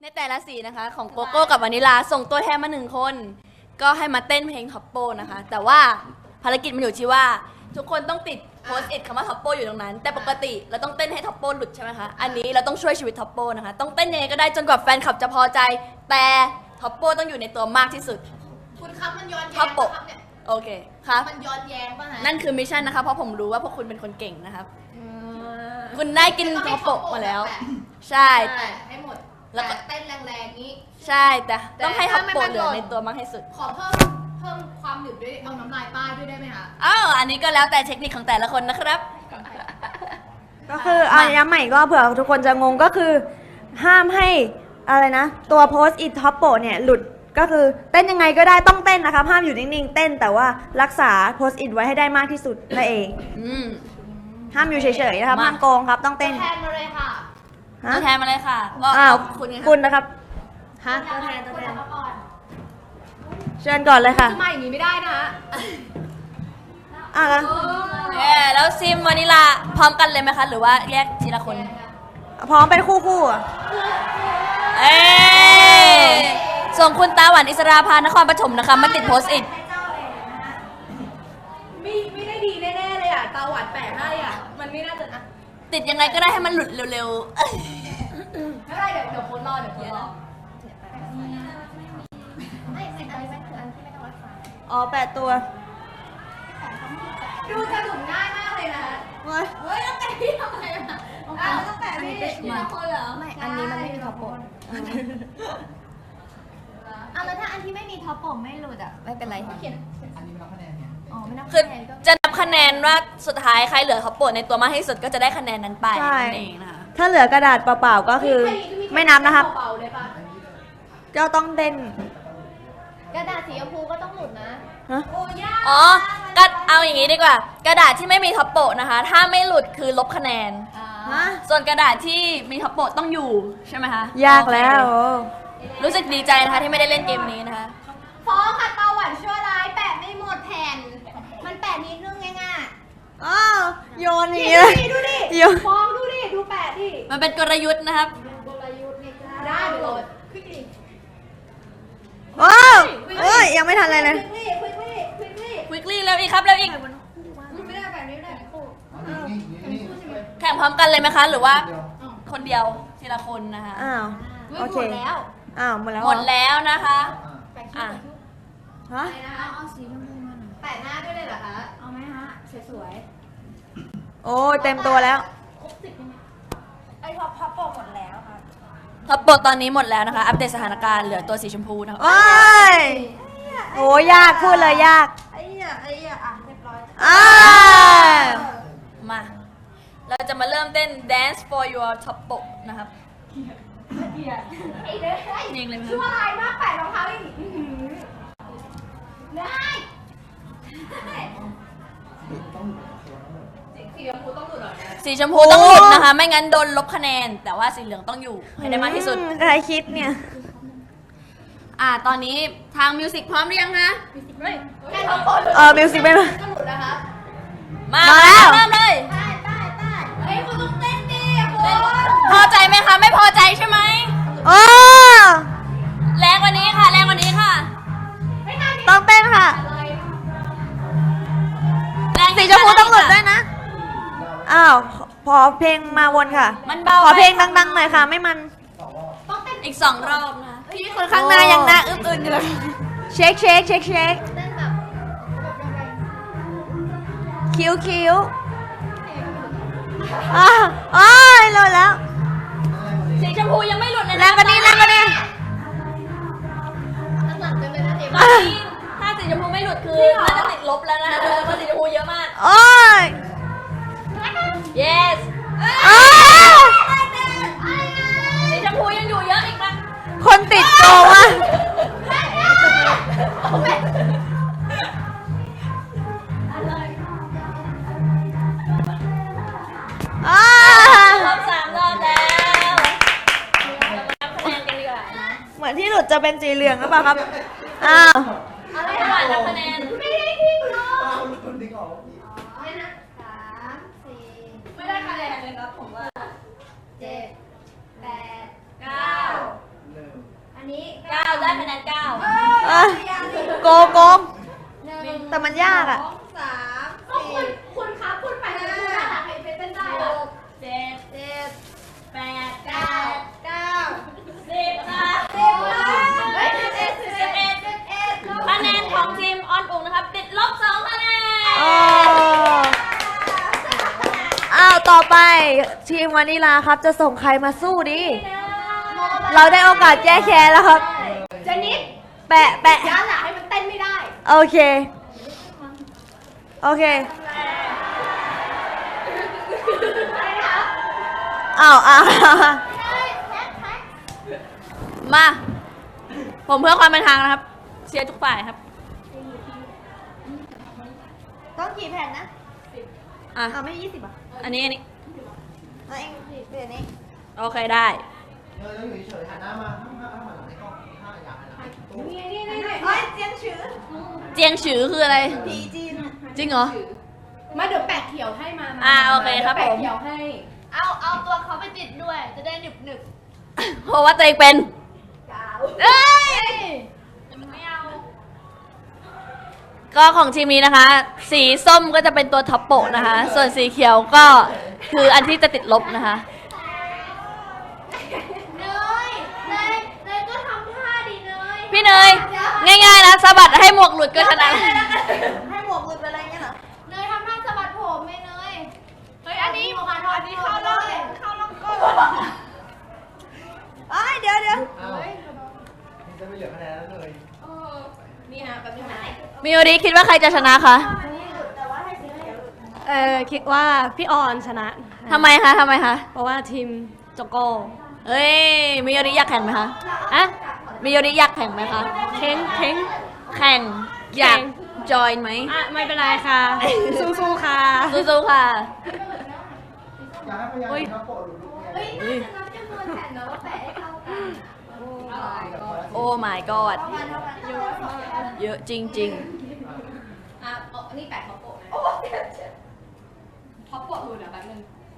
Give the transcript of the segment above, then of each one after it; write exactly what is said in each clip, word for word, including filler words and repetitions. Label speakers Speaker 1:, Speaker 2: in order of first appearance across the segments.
Speaker 1: ในแต่ละสีนะคะของโกโก้กับวานิลาส่งตัวแทนมาหนึ่งคน ก็ให้มาเต้นเพลงท็อปโปนะคะ แต่ว่าภารกิจมันอยู่ที่ว่าทุกคนต้องติดโพสต์อิทคำว่าท็อปโปอยู่ตรงนั้น แต่ปกติเราต้องเต้นให้ท็อปโปหลุดใช่ไหมคะอันนี้เราต้องช่วยชีวิตท็อปโปนะคะต้องเต้นยังไงก็ได้จนกว่าแฟนคลับจะพอใจ แต่ท็อปโปต้องอยู่ในตัวมากที่สุด
Speaker 2: คุณครับมันย้อน
Speaker 1: ท็
Speaker 2: แย้
Speaker 1: อง ปโป
Speaker 2: ครับเนี่ย
Speaker 1: โอเคครับ
Speaker 2: มันย้อนแย้งป่ะฮะ
Speaker 1: นั่นคือมิชชั่นนะคะเพราะผมรู้ว่าพวกคุณเป็นคนเก่งนะครับคุณได้กินท็อปโปมาแล้ว ใช่
Speaker 2: แต่ให้หมด
Speaker 1: แล้
Speaker 2: แล้ว
Speaker 1: วก็
Speaker 2: เต้นแรงๆนี้
Speaker 1: ใช่แต่ต้องให้ท็อปโป
Speaker 2: แต่ถ้าไม่
Speaker 1: เหลือ
Speaker 2: มันหล่น
Speaker 1: ในตัวมากที่สุด
Speaker 2: ขอเพิ่มเพิ่มความหนึบด้วยเอาน้ำลายป้ายด้วยได้ไหมคะ
Speaker 1: อ้าวอันนี้ก็แล้วแต่เทคนิคของแต่ละคนนะครับ
Speaker 3: ก็คือเอาย้ำใหม่อีกรอบเผื่อทุกคนจะงงก็คือ ห้ามให้อะไรนะ ตัวโพสต์อิทท็อปโปเนี่ยหลุดก็คือเต้นยังไงก็ได้ต้องเต้นนะครับห้ามอยู่นิ่งๆเต้นแต่ว่ารักษาโพสต์อิทไว้ให้ได้มากที่สุดนั่นเอง
Speaker 1: อืม
Speaker 3: ห้ามอยู่เฉยๆนะครับ
Speaker 1: มา
Speaker 3: ห้ามโกงครับต้องเต้น
Speaker 2: แทนมาเลยค่ะ
Speaker 3: ฮะ
Speaker 1: ตัวแทนมาเลยค่ะก็
Speaker 3: อ้าว
Speaker 1: คุณไง
Speaker 3: คุณนะครับฮะ
Speaker 2: ตัวแทนตัวแทนมาก่อน
Speaker 3: เชิญก่อนเลยค่ะ
Speaker 2: จะมาอย่างนี้ไม่ได้นะฮะ
Speaker 3: อ่ะแล้ว
Speaker 1: เย้แล้วซิมวานิลาพร้อมกันเลยไหมคะหรือว่าแยกทีละคน
Speaker 3: พร้อมเป็นคู่ๆอ่ะ
Speaker 1: เอ้ยส่งคุณตาหวานอิสราพานครปฐมนะคะมาติดโพสต์อิท
Speaker 2: ไม่ไม่ได้ดีแน่ๆเลยอ่ะตาหวานแปะให้อ่ะมันไม่น่าจะนะ
Speaker 1: ติดยังไงก็ได้ให้มันหลุดเร็วๆเอ้ย
Speaker 2: ไม่ได้เดี๋ยวเดี๋ยวโค้ดรอเดี๋ยวโค้ดรอไม่ไม่อันนี้คืออันที่ไม่ต้องรักษา
Speaker 3: อ๋อแปดตัว
Speaker 2: ดูสนุกง่ายมากเลยนะฮะ
Speaker 3: เว้ย
Speaker 2: เฮ้ยต้องแปะพี่ทำไมอ่ะอ้าวต้องแปะพี่ทีละคนเหรอไม่
Speaker 4: อันนี้มันไม่มีท็อปโปะ อ่ะแล้วถ้าอันที่ไม่มีท็อปโปะไม่หลุดอ่ะ ไม่เป็นไรค่ะ
Speaker 2: เขียน
Speaker 4: อ๋อไม่นับ
Speaker 1: คือ
Speaker 4: คะแนนก็
Speaker 1: จะนับคะแนนว่าสุดท้ายใครเหลือท็อปโปรในตัวมากที่สุดก็จะได้คะแนนนั้นไปนั่นเองนะคะ
Speaker 3: ถ้าเหลือกระดาษเปล่าๆก็คือไม่นับนะครับ
Speaker 2: เบาๆเลยป่ะ
Speaker 3: ก็ต้องเต้น
Speaker 4: กระดาษสีชมพูก็ต้องหลุดนะ
Speaker 3: ฮะ
Speaker 2: โอ้ยาก
Speaker 1: อ๋อก็เอาอย่างนี้ดีกว่า กระดาษที่ไม่มีท็อปโปะนะคะ ถ้าไม่หลุดคือลบคะแนน
Speaker 3: ฮะ
Speaker 1: ส่วนกระดาษที่มีท็อปโปะต้องอยู่ใช่ไหมคะ
Speaker 3: ยากแล้ว
Speaker 1: โอเครู้สึกดีใจนะคะที่ไม่ได้เล่นเกมนี้นะคะ
Speaker 2: ฟ้องค่ะตาหวานชั่วร้ายแปะไม่หมดแผ่น มันแปะนิดนึงไงอ่ะ
Speaker 3: อ้าวโยนอย่าง
Speaker 2: นี่
Speaker 3: นี้เลย
Speaker 2: ดูดิ
Speaker 3: โยน
Speaker 2: ฟ้องดูดิ ดูแปะดิ
Speaker 1: มันเป็นกลยุทธ์นะครับ
Speaker 2: ได้เดี๋ยวโหลดควิกลี่
Speaker 3: ว้าวเอ้ยยังไม่ทันอะไรเลย
Speaker 2: ควิกลี่ควิกลี่ควิกลี่
Speaker 1: ควิกลี่เร็วอีกครับเร็วอีก
Speaker 2: ไม่ได้แปะนี้ไม่ได้คู่
Speaker 1: แข่งพร้อมกันเลยไหมคะ หรือว่าคนเดียวทีละคนนะคะ
Speaker 3: อ้าว
Speaker 2: ไม่
Speaker 3: โอ
Speaker 2: ห
Speaker 3: เค
Speaker 2: มดแล้ว
Speaker 3: อ้าวหมดแล้ว
Speaker 1: หมด
Speaker 3: เรอ
Speaker 1: แล้วนะคะ
Speaker 2: แปะ
Speaker 1: อ่ะ
Speaker 3: ฮะ
Speaker 2: ไปนะ
Speaker 4: เอาสีชมพูมาหน่อย
Speaker 2: แปะหน้าด้วยเลยเหรอคะ
Speaker 4: เอาไหมฮะ สวย
Speaker 3: โอ้ยเต็มตัวแล้ว
Speaker 4: ๆ ไอ้ท็อปท็อปโปะหมดแล้วค่ะ
Speaker 1: ท็อปโปรตอนนี้หมดแล้วนะคะ อัปเดตสถานการณ์เหลือตัวสีชมพูนะคะ
Speaker 3: โอ้ยโอ้ยากพูดเลยยาก
Speaker 4: ไอ้เหี้ยไอ้เหี้ยอ่ะเรียบร้อย
Speaker 3: อ้า
Speaker 1: มา เราจะมาเริ่มเต้น Dance for your top โปะนะครับ
Speaker 2: ไอ้เด้อ
Speaker 1: เพลงเลยไหม
Speaker 2: ชั่วร้ายมากแปะรองเท้าอีกอื้อหือได้สีชมพูต้องหลุดหน่อยนะ
Speaker 1: สีชมพูต้องหลุดนะคะ ไม่งั้นโดนลบคะแนน แต่ว่าสีเหลืองต้องอยู่ให้ได้มากที่สุด
Speaker 3: อืใครคิดเนี่ย
Speaker 1: อ่า ตอนนี้ทางมิวสิกพร้อมหรือยังคะ
Speaker 2: แค่ทั้งหมด
Speaker 3: เออมิวสิกไม่มา
Speaker 2: ก็หลุดนะคะ
Speaker 1: มา
Speaker 3: มาแล้ว
Speaker 1: เริ่มเลย
Speaker 2: ใต้ใต้ใต้เฮ้ยคุณต้องเต้นดิคุณ
Speaker 1: พอใจไหมคะ ไม่พอใจใช่ไหม
Speaker 3: โอ้
Speaker 1: แรงกว่านี้ค่ะ แรงกว่านี้ค่ะ
Speaker 2: ไม่ทัน
Speaker 3: ต้องเต้นค่ะ
Speaker 2: อะไร
Speaker 1: แรง
Speaker 3: สีชมพูต้องหลุดด้วยนะ อ้าว ขอเพลงมาวนค่ะ
Speaker 1: มันเบา
Speaker 3: ขอเพลง
Speaker 1: ไป
Speaker 3: ดังๆหน่อยค่ะ ไม่มัน
Speaker 2: ต้องเต้น
Speaker 1: อีกสองรอบนะคะ
Speaker 3: พี่คนข้างหน้ายังหน้าอึ้งๆอยู่เลย เช็คเช็คเช็คเช็ค
Speaker 2: เต้นแบบแบบยังไง
Speaker 3: คิ้วคิ้วอ้าวอ้ยหลุดแล้ว
Speaker 1: สีชมพูยังไม่หลุดเลย
Speaker 3: แรงกว่านี้แรงกว่านี้
Speaker 2: ตั้งหลังกันเลยนะเด็ก
Speaker 1: ตอนนี้ถ้าสีชมพูไม่หลุดคือน่าจะติดลบแล้วนะคะเพราะสีชมพูเยอะมาก
Speaker 3: โอ้ย
Speaker 1: yes
Speaker 3: อ้าว
Speaker 1: สีชมพูยังอยู่เยอะอีกนะ
Speaker 3: คนติดโกงอ่ะอ้าว
Speaker 1: รอบสามรอบแล้วเรามานับคะแนนกันดีกว่านะ
Speaker 3: เหมือนที่หลุดจะเป็นสีเหลืองหรือเปล่าครับ อ้าว
Speaker 1: อะไรระหว่างนับคะแนน
Speaker 2: ไม่ได้ทิ้งเนาะไม่นะสามสี่
Speaker 1: ไม่ได้คะแนนเลยครับผมว่า
Speaker 2: เจ็ดแปด
Speaker 1: เก้าคะแนนเก้า
Speaker 3: เอ้ยโกงโกงแต่มันยากอ่ะ
Speaker 2: สามสี่คุณครับคุณไปคุณน่ารักใครไปเต้นได้อะ
Speaker 1: เจ็ด
Speaker 2: เจ็ด
Speaker 1: แปด
Speaker 2: เก้า
Speaker 1: เก้า
Speaker 2: เก้า
Speaker 1: สิบค่ะ
Speaker 2: สิบเฮ้ยสิบเอ็ดสิบเอ็ดสิบเอ็ด
Speaker 1: คะแนนของทีมออนอุ๋งนะครับ ติดลบสองคะแนน
Speaker 3: อ๋ออ้าวต่อไปทีมวานิลาครับจะส่งใครมาสู้ดิ เราได้โอกาสแก้แค้นแล้วครับ
Speaker 2: เจนิด
Speaker 3: แปะแปะ
Speaker 2: ย้านหลังให้มันเต้นไม่ได้
Speaker 3: โอเค โอเค
Speaker 2: อะไรนะคะ
Speaker 3: อ้าวอ้าว
Speaker 1: มา ผมเพื่อความเป็นทางนะครับ เชียร์ทุกฝ่ายครับ
Speaker 3: ต้องกี่แผ่นนะ
Speaker 1: อ่ะ
Speaker 3: อ้าวไม่ยี่สิบอ่ะ
Speaker 1: อันนี้อันนี้
Speaker 3: เอาเองเปลี่ยนนี้
Speaker 1: โอเคได้
Speaker 5: เออต้องอยู่เฉยๆหันหน้ามาห้ามห้ามหันหลังในกล้องถ้าอยากหันหลัง
Speaker 2: นี่นี่นี่
Speaker 3: เฮ้ยเจียงฉือ
Speaker 1: เจียงฉือคืออะไร
Speaker 3: ผีจีน
Speaker 1: จริงเหรอ
Speaker 2: มาเดี๋ยวแปะเขียวให้มา
Speaker 1: อ่าโอเคครับผม
Speaker 2: แปะเขียวให้
Speaker 4: เอาเอาตัวเขาไปติดด้วย จะได้หนึบหนึบ
Speaker 1: เพราะว่าตัวเองเป็น เอ้ย
Speaker 4: ไม่เอา
Speaker 1: ก็ของทีมนี้นะคะ สีส้มก็จะเป็นตัวท็อปโปะนะคะ ส่วนสีเขียวก็คืออันที่จะติดลบนะคะ
Speaker 4: เนยเนยเนยก็ทำท่าดีเนย
Speaker 1: พี่เนย ง่ายๆนะสะบัดให้หมวกหลุดก็ชนะ
Speaker 3: ให้หมวกหลุดไปอะไรเงี้ยเหรอ
Speaker 4: เนยทำท่าสะบัดผมไหมเนย เฮ้ย อันนี้หมวกกันอันนี้เข้า
Speaker 3: เล
Speaker 4: เลย
Speaker 3: ยเข้าลำก้นเอ้ยเดี๋ยวเดี๋ยว
Speaker 5: เอ้านี่จะไม่เหลือคะแนนแล้วเลย
Speaker 2: นี่นะแบบนี้นะ
Speaker 1: มิโอริคิดว่าใครจะชนะคะ
Speaker 6: เออคิดว่าพี่ออนชนะ
Speaker 1: ทำไมคะทำไมคะ
Speaker 6: เพราะว่าทีมโจโก้
Speaker 1: เอ้ยมิโอริอยากแข่งไหมคะ
Speaker 6: อะ
Speaker 1: มิโอริอยากแข่งไหมคะ
Speaker 6: เค้งเค้ง
Speaker 1: แข่งอยากจอยไหม
Speaker 6: อ่ะไม่เป็นไรค่ะ สู้ๆค่ะ
Speaker 1: สู้ๆค่ะ
Speaker 5: อยากให้พยายามเห็นเขาโปะหลุดลูก
Speaker 2: เฮ้ย
Speaker 5: เนี่ย
Speaker 2: น่าจะนับจำนวนแผ่นนะว่าแปะให้เท่ากัน
Speaker 1: โอ้ my god เยอะจริง
Speaker 2: อ่ะเอาอันนี้แปะท็อปโปะนะท็อปโปะหลุดอ่ะแป๊บนึง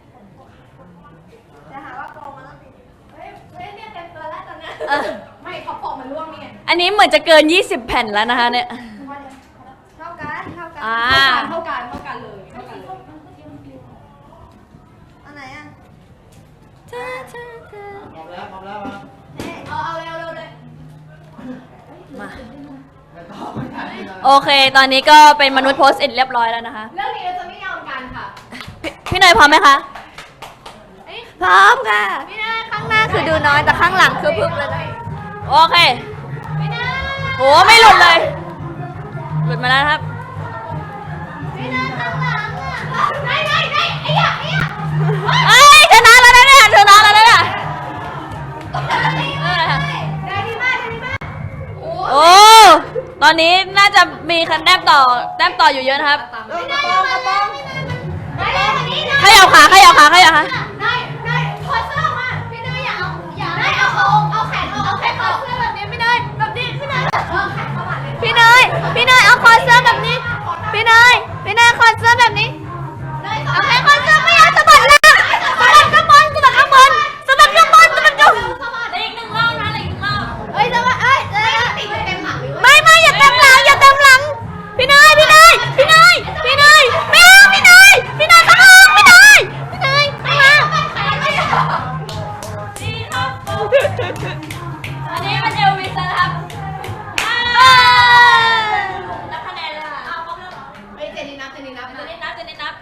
Speaker 3: จะหาว่าโกงมาแล้วสิ
Speaker 2: เฮ้ยเฮ้ยเนี่ยเต็มตัวแล้วตอนนี้
Speaker 1: ๆเออ
Speaker 2: ไม่ท็อปโปะมันร่วงนี่ไง
Speaker 1: อันนี้เหมือนจะเกิน ยี่สิบ แผ่นแล้วนะคะเนี่ย
Speaker 3: เท่ากันเท่ากัน
Speaker 1: อ่า
Speaker 2: เท่ากันเท่ากันเลยเท่ากันเลย
Speaker 3: อันไหนอ่ะ
Speaker 5: พร้อมแล้วพร้อมแล้วมา
Speaker 2: เอาเอาเร็วเร็วเลย
Speaker 1: มา
Speaker 5: ไม่ต้องไม่ทันเลย
Speaker 1: โอเค ตอนนี้ก็เป็นมนุษย์โพสต์อิทเรียบร้อยแล้วนะคะ
Speaker 2: เรื่องนี้เราจะไม่ยอมกันค่ะ
Speaker 1: พี่พี่เนยพร้อมไหมคะ
Speaker 3: พร้อมค่ะข้างหน้าคือดูน้อยแต่ข้างหลังคือพึกเลยนะ
Speaker 1: โอเคโหไม่หลุดเลย หลุดมาแล้วนะครับ
Speaker 2: ไม่ไม่ไม่ไอ้ยะไอ้ยะ
Speaker 1: เอ้ยชนะแล้วนะเนี่ยชนะแล้วนะเนี่ยเออ
Speaker 2: ได้ดีมากได้ดีมากโอ้
Speaker 1: โอ้ ตอนนี้น่าจะมีคะแนนต่อแต้มต่ออยู่เยอะนะครับ
Speaker 2: ไม่ได้มาแล้วไม่ได้วันนี้นะ
Speaker 1: ขยับขาขยับขาขยับขา
Speaker 2: ได้ได้ถอดเสื้อมาพี่เนยอย่าเอาอย่าได้เอาเอาเอาแขนเอาเอาแขนเอาเสื้อแบบนี้ไม่ได้แบบนี้พี่เนยเออแขนเข้ามาเลย
Speaker 3: พี่เนยพี่เนยเอาคอเสื้อแบบนี้ พี่เนยพี่เนยคอเสื้อแบบนี้
Speaker 2: เอาแขน
Speaker 3: คอเสื้อไม่เอาสะบัดล่างสะบัดข้างบนสะบัดข้างบนสะบัดข้างบนสะบัดข้างบน
Speaker 1: อีกหนึ่งรอบนะอีกหนึ่งรอบ
Speaker 3: เอ้ยสะบัดเอ้ยเอ้ย
Speaker 2: ติดเต็มหลังเลย
Speaker 3: ไม่ไม่อย่าเต็มหลังอย่าเต็มหลัง พี่เนยพี่เนยพี่เนยพี่เนยไม่เอาพี่เนยพี่เนยข้างล่างพี่เนยพี่เนยข้างล่าง
Speaker 1: ดีครับอันนี้มันเอลวิสนะครับนับคะแนนเลยค่ะเอาพร้อมแล้ว
Speaker 2: เฮ้ยเจนี่นับเจนี่นับ
Speaker 1: เจ
Speaker 2: นะ
Speaker 1: นิดนับเจนิดนับ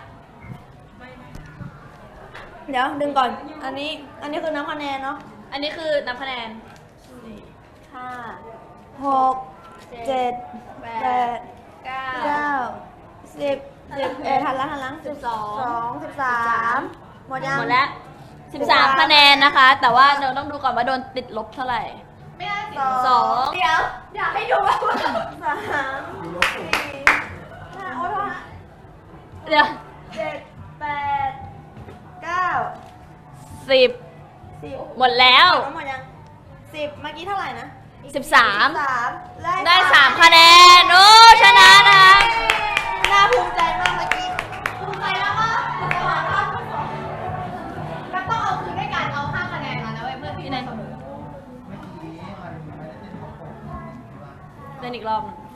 Speaker 3: เดี๋ยวดึงก่อน อันนี้อันนี้คือน้ำคะแนนเนาะ
Speaker 1: อันนี้คือนับคะแนน
Speaker 3: ห้าหกเจ็ดแปดเก้าสิบสิบเอ็ดหันหลังหันหลังสิบสองสิบสามหมดยัง
Speaker 1: หมดแล้วสิบสามคะแนนนะคะ แต่ว่าเราต้องดูก่อนว่าโดนติดลบเท่าไหร่
Speaker 2: ไม่ได้สิ
Speaker 1: สอง
Speaker 2: เดี๋ยวอยากให้ดูว่า
Speaker 3: สามสี่ห้าโอ้โห
Speaker 1: เดี๋ยว
Speaker 3: เจ็ดแปดเก้า
Speaker 1: สิบ
Speaker 3: สิบ
Speaker 1: หมดแล้ว
Speaker 3: หมดยังสิบเมื่อกี้เท่าไหร่นะ
Speaker 1: สิบสาม
Speaker 3: สาม
Speaker 1: ได้สามคะแนน โอ้ชนะนะคะ
Speaker 3: น่าภูมิใจมากเมื่อกี้
Speaker 2: ภูมิใจแล้วว่าจะหาภาพมันต้องเอาคืนด้วยการเอาห้าคะแนนมานะเว้ยเพื่อที่จะเสมอ
Speaker 5: เมื่อกี้มันไม่ได้เต้นของผม
Speaker 1: ต้นอีกรอบหนึง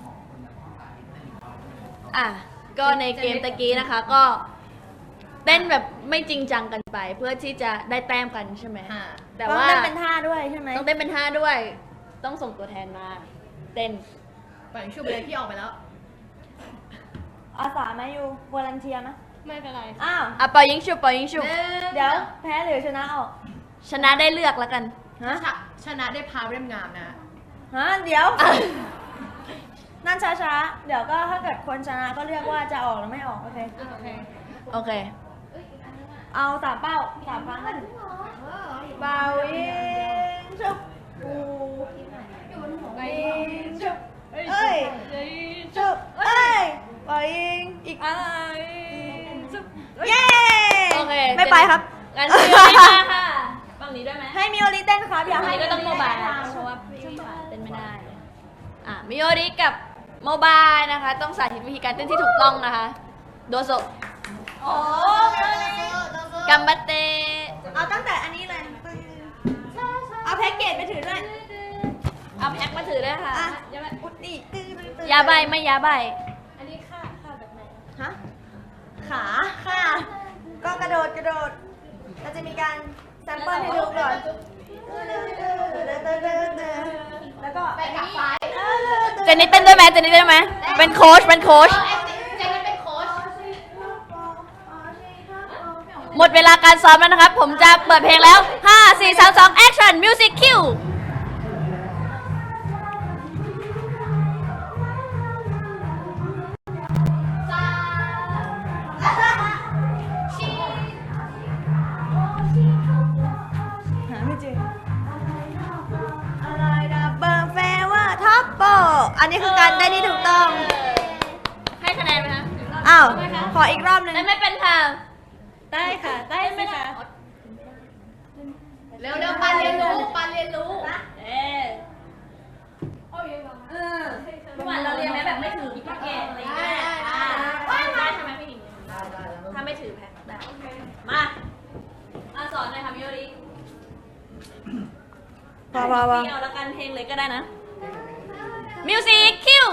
Speaker 1: อ่ะก็ในเกมตะกี้นะคะ ก็เต้นแบบไม่จริงจังกันไป เพื่อที่จะได้แต้มกันใช่ไหมแต่
Speaker 3: ต้อง
Speaker 1: ว่า
Speaker 3: เต้นเป็นท่าด้วยใช่ไหม
Speaker 1: ต้องเต้นเป็นท่าด้วย ต้องส่งตัวแทนมา เต้น
Speaker 2: ปล่อยชุบเลยพี่ออกไปแล้ว
Speaker 3: อาสาไหมอยู่วอลันเทียไหม
Speaker 6: ไม่เป็นไร
Speaker 3: อ้าว
Speaker 1: อ่ะปล่อยยิงฉุบปล่อยยิงฉุบ
Speaker 3: เดี๋ยวแพ้หรือชนะออก
Speaker 1: ชนะได้เลือกแล้วกัน
Speaker 3: ฮะ
Speaker 2: ชนะได้พาเล่มงามนะ
Speaker 3: ฮะเดี๋ยว นั่นช้าๆ เดี๋ยวก็ถ้าเกิดคนชนะก็เรียกว่าจะออกหรือไม่ออก โอเค
Speaker 6: โอเค
Speaker 1: โอเค
Speaker 3: เอาสามเป้าสามครั้งนะเบายิงชุบปูยิงชุบเอ้ยชุบเอ้ยเบายิงอีกอะไรชุบเย้
Speaker 1: โอเค
Speaker 3: ไม่ไปครับ
Speaker 1: งั้นมิโอริมาค่ะฝั่งนี้ด้วยไหม
Speaker 3: ให้มิโอริเต้นครับ อยาก
Speaker 1: อัน
Speaker 3: ให้
Speaker 1: นี้ก็ต้องโมบาย
Speaker 3: ทำ
Speaker 1: เพราะว่าพี่ผ่านเต้นไม่ได้ อ่ะมิโอริกับโมบายนะคะ ต้องสาธิตวิธีการเต้นที่ถูกต้องนะคะ โดโซ
Speaker 3: โอ้มิโอริ
Speaker 1: กัมบัตเต
Speaker 3: เอาตั้งแต่อันนี้เลย เอาแพ็กเกจไปถือด้วย
Speaker 1: เอาแอคมาถือด้วยค่ะ
Speaker 3: อ่ะอย่ามาอุดดิตื้อตื้อตื้อย
Speaker 1: าใบไม่ยาใบ
Speaker 6: อันนี้ค่ะค่ะแบบไหน
Speaker 3: ฮะ ขาค่ะ ก็กระโดดกระโดดเราจะมีการแซมเปิลให้ดูก่อน แล้วก็
Speaker 2: ไปกับซ้าย
Speaker 1: เจนนี่เต้นด้วยไหมเจนนี่เต้นด้วยไหมเป็นโค้ชเป็นโค้ช
Speaker 2: เจนนี่เป็นโค้ช
Speaker 1: หมดเวลาการซ้อมแล้วนะครับ ผมจะเปิดเพลงแล้ว ห้า สี่ สาม สอง action music cue
Speaker 3: หาไม่เจออะไรดับเบิลเฟเวอร์ท็อปโปอันนี้คือการได้ที่ถูกต้อง
Speaker 1: ให้คะแนนไหมคะ
Speaker 3: อ้าว ขออีกรอบหนึ่ง
Speaker 1: ได้ไม่เป็นค่ะ
Speaker 6: ได้ค่ะ ได้ไหมคะ
Speaker 2: เร็วเร็วปานเรียนรู้ปานเรียนรู้
Speaker 1: เอ๊ะเมื่อวานเราเรียนไหมแบบไม่ถือแพ็กเกจอะไรอย่างเงี้ยอ่าได้ใช่ไหมพี่หญิงถ้าไม่ถือแพ็กได้มาอ่ะสอนหน่อยค่ะมิโอริ
Speaker 3: พอพอพอ
Speaker 1: ไม่เอาละกันเพลงเลยก็ได้นะ music cue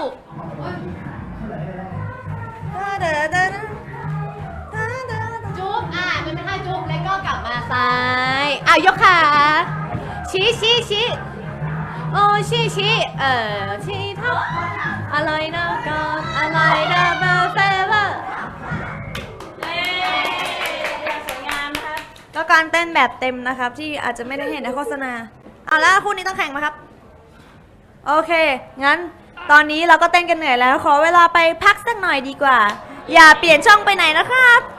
Speaker 2: จุ๊บอ่ะมันเป็นท่าจุ๊บแล้วก็กลับมาซ้ายอ้าวยกขาชี้ชี้ชี้โอ้ชี้ชี้เออชี้ทับอะไรนะก่อนอะไรนะเบอร์เฟเวอร์
Speaker 1: เย้สวยงามนะครับ
Speaker 3: ก็การเต้นแบบเต็มนะครับ ที่อาจจะไม่ได้เห็นในโฆษณาเอาแล้วคู่นี้ต้องแข่งไหมครับ โอเค งั้นตอนนี้เราก็เต้นกันเหนื่อยแล้ว ขอเวลาไปพักสักหน่อยดีกว่า อย่าเปลี่ยนช่องไปไหนนะครับ